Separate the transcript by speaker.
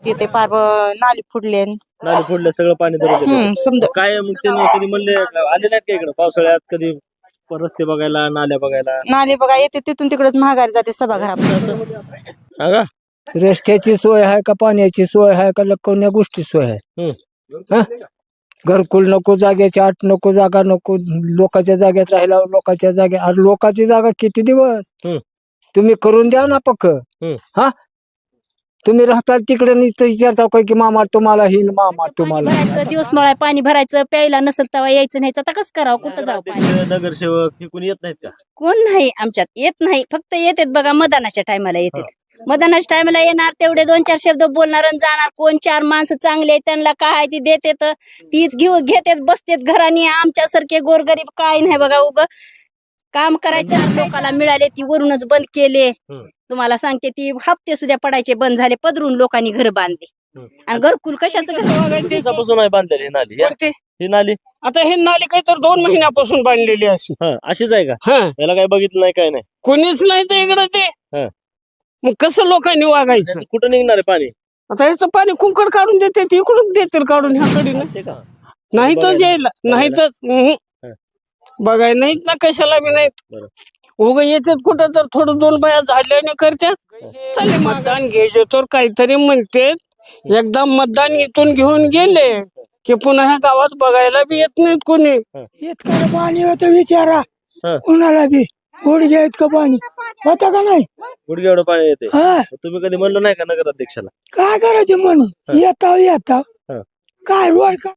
Speaker 1: येते पार नाली फुडले
Speaker 2: नाले फोडले सगळं पाणी धरून गेलं.
Speaker 1: समजा
Speaker 2: काय मग त्यांनी कधी म्हणले आले नाहीत का इकडे पावसाळ्यात कधी रस्ते बघायला नाल्या बघायला?
Speaker 1: नाली बघा येते तिथून तिकडेच महागारी जाते सभागृहात.
Speaker 2: हा का?
Speaker 3: रस्त्याची सोय आहे का पाण्याची सोय आहे का कोण्या गोष्टी सोय आहे? हा? घरकुल नको, जागेची आठ नको, जागा नको, लोकांच्या जागेत राहिला लोकांच्या जागेत. अरे लोकांची जागा किती दिवस तुम्ही करून द्या ना पक्क. हा तुम्ही राहताल तिकडे विचारता काय की मामा तुम्हाला हिल मामा तुम्हाला
Speaker 4: भरायचं दिवस मळाय पाणी भरायचं प्यायला नसेल तेव्हा यायचं नाही आता कसं करावं कुठं जाऊ पाणी
Speaker 2: नगरसेवक हे कोणी येत नाहीत का?
Speaker 4: कोण नाही आमच्यात येत नाही फक्त येतात बघा मतदानाच्या टायमाला येतात मतदानाच्या टायमाला येणार तेवढे 2-4 शब्द बोलणार आणि जाणार. कोण 4 माणसं चांगले त्यांना काय ती देतात तीच घेऊन घेतात बसतात घराने. आमच्यासारखे गोरगरीब काय नाही बघा उग काम करायचं लोकांना मिळाले ती वरूनच बंद केले. तुम्हाला सांगते ती हप्ते सुद्धा पडायचे बंद झाले पदरून लोकांनी घर बांधले आणि घरकुल कशाचं घर
Speaker 2: दिवसापासून आहे बांधलेली ही नाली ही नाली
Speaker 3: आता हे नाली काही तर 2 महिन्यापासून बांधलेली अशी.
Speaker 2: अशीच आहे का?
Speaker 3: हा
Speaker 2: याला काय बघितलं नाही काय नाही?
Speaker 3: कोणीच नाही तर इकडं ते मग कसं लोकांनी वागायचं?
Speaker 2: कुठं निघणार आहे पाणी?
Speaker 3: आता याचं पाणी कुंकड काढून देते इकडून देतील काढून ह्याकडे
Speaker 2: ते का?
Speaker 3: नाही तर यायला नाही तर बघाय नाहीत ना कशाला बी नाहीत. उग येतात कुठं तर थोडं 2 बाया झाल्याने करतात. चालेल मतदान घ्यायचे तर काहीतरी म्हणते. एकदा मतदान इथून घेऊन गेले की पुन्हा ह्या गावात बघायला बी येत नाहीत कोणी. इतकं पाणी होतं विचारा कुणाला बी. गुडघ्या इतकं पाणी होतं का नाही?
Speaker 2: गुडघ्या एवढं पाणी येते. तुम्ही कधी म्हणलं नाही का नगराध्यक्षाला?
Speaker 3: काय करायचं म्हणून येता काय रोड का